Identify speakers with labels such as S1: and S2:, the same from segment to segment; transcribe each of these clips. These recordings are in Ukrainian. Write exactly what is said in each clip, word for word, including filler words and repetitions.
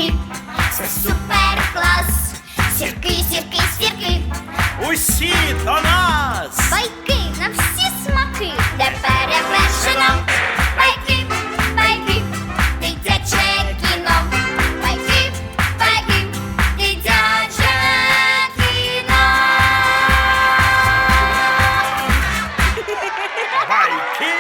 S1: байки, це супер клас. Сірки, сірки, сірки,
S2: Усі до нас!
S1: байки на всі смаки, де перевершено. Байки, байки, дитяче кіно. Байки, байки, дитяче кіно.
S2: Байки!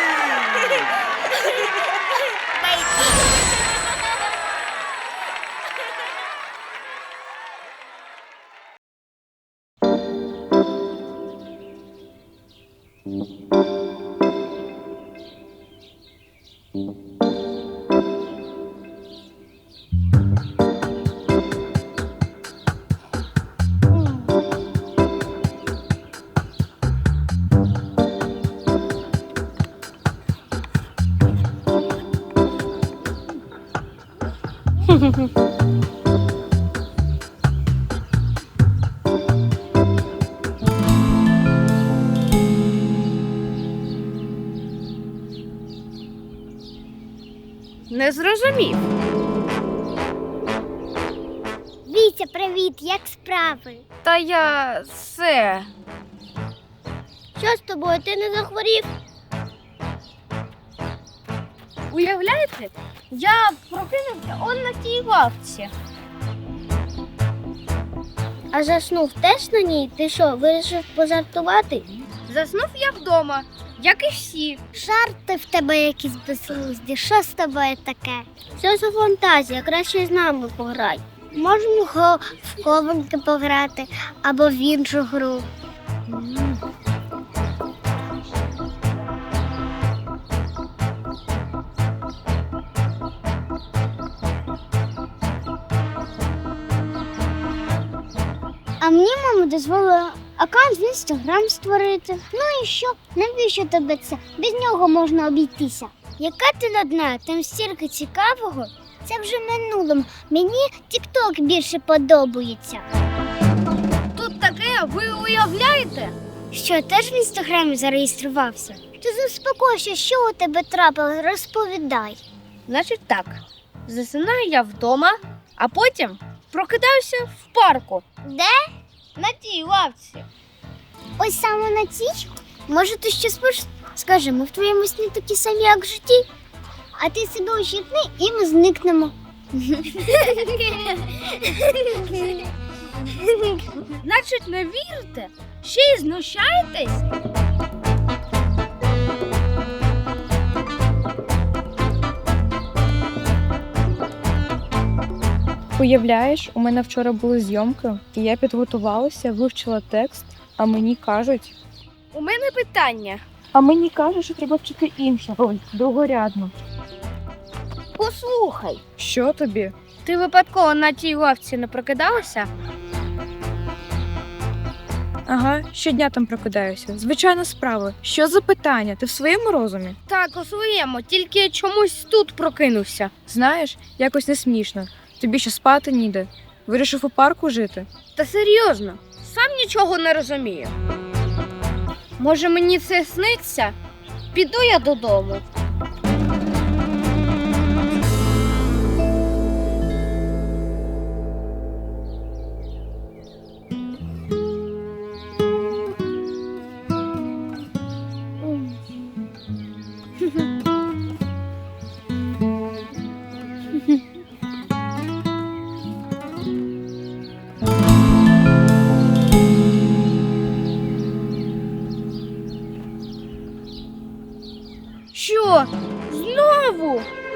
S3: Не зрозумів.
S1: Вітя, привіт, як справи?
S3: Та я все.
S1: Що з тобою, ти не захворів?
S3: Уявляєте? Я прокинувся он на тій лавці.
S1: А заснув теж на ній? Ти що, вирішив пожартувати?
S3: Заснув я вдома, як і всі.
S1: Жарти в тебе якісь безглузді. Що з тобою таке? Що за фантазія? Краще з нами пограй. Можемо го в хованки пограти або в іншу гру. А мені мама дозволила аккаунт в інстаграм створити. Ну і що? Навіщо тобі це? Без нього можна обійтися. Яка ти нудна, там стільки цікавого. Це вже минулим. Мені тік-ток більше подобається.
S3: Тут таке, ви уявляєте?
S1: Що, теж в інстаграмі зареєструвався? Ти заспокойся, що у тебе трапилось, розповідай.
S3: Значить так, засинаю я вдома, а потім прокидаюся в парку.
S1: Де?
S3: На тій лавці.
S1: Ось саме на цій? Може, ти щось можеш? Скажи, ми в твоєму сні такі самі, як в житті. А ти себе ущипни і ми зникнемо.
S3: Значить, не вірите? Ще й знущаєтесь?
S4: Уявляєш, у мене вчора були зйомки, і я підготувалася, вивчила текст, а мені кажуть...
S3: У мене питання.
S4: А мені кажуть, що треба вчити іншу роль, другорядну.
S3: Послухай,
S4: Що тобі?
S3: ти випадково на тій лавці не прокидалася?
S4: Ага, щодня там прокидаюся. Звичайна справа. Що за питання? Ти в своєму розумі?
S3: Так, у своєму, тільки чомусь тут прокинувся.
S4: Знаєш, якось не смішно. Тобі ще спати ніде. Вирішив у парку жити?
S3: Та серйозно, сам нічого не розумію. Може, мені це сниться? Піду я додому. Що? Знову?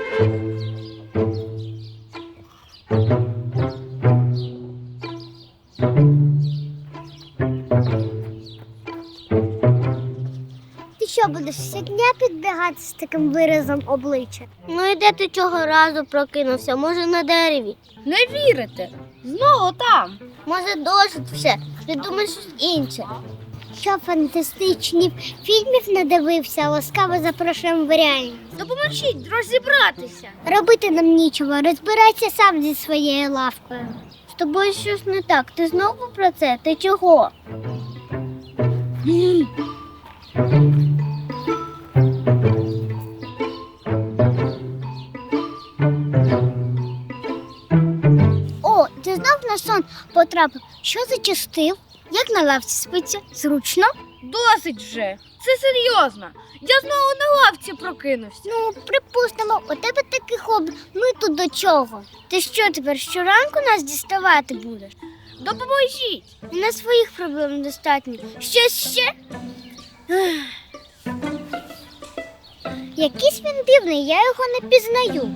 S1: Ти що, будеш щодня підбігати з таким виразом обличчя? Ну і де ти цього разу прокинувся? Може, на дереві?
S3: Не вірите? Знову там.
S1: Може, досить все? Придумай щось інше. Що фантастичні фільмів надивився, ласкаво запрошуємо в реальність.
S3: Допоможіть розібратися.
S1: Робити нам нічого, розбирайся сам зі своєю лавкою. З тобою щось не так, ти знову про це? Ти чого? сон потрапив, що зачастив? Як на лавці спиться? Зручно?
S3: Досить вже. Це серйозно. Я знову на лавці прокинувся.
S1: Ну, припустимо, у тебе таке хобі. Ми тут до чого? Ти що тепер щоранку нас діставати будеш?
S3: Допоможіть.
S1: У нас своїх проблем достатньо. Щось ще? Ех. Якийсь він дивний, я його не пізнаю.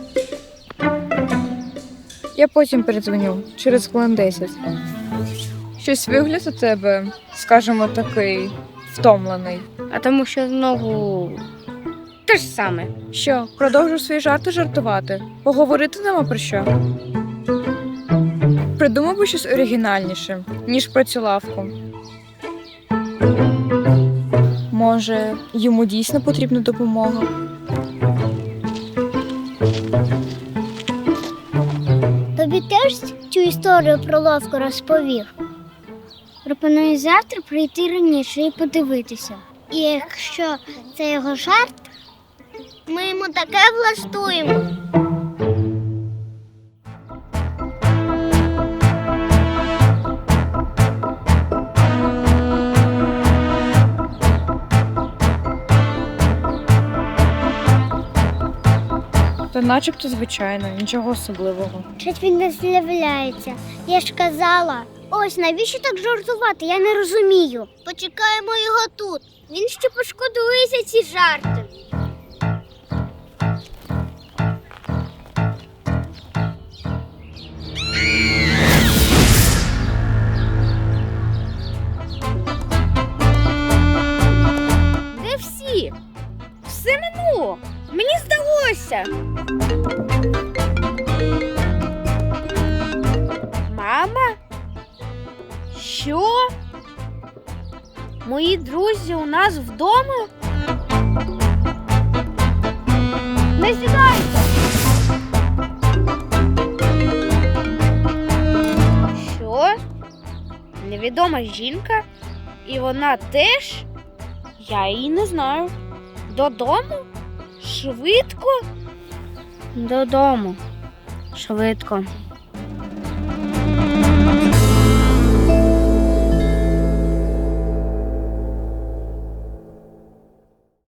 S4: Я потім передзвоню, через хвилин десять. Щось вигляд у тебе, скажімо, такий втомлений.
S3: А тому що знову те ж саме.
S4: Що, продовжу свої жарти жартувати? Поговорити нема про що? Придумав би щось оригінальніше, ніж про цю лавку. Може, йому дійсно потрібна допомога?
S1: Тобі теж цю історію про ловку розповів? Пропоную завтра прийти раніше і подивитися. І якщо це його жарт, ми йому таке влаштуємо.
S4: Та начебто звичайно, нічого особливого.
S1: Щось він не з'являється. Я ж казала. Ось навіщо так жартувати? Я не розумію. Почекаємо його тут. Він ще пошкодує за ці жарти.
S3: Де всі? Все минуло. Мені здалося. Мама? Що? Мої друзі у нас вдома? Не сідайте! Що? Невідома жінка? І вона теж? Я її не знаю. Додому? Швидко? Додому. Швидко.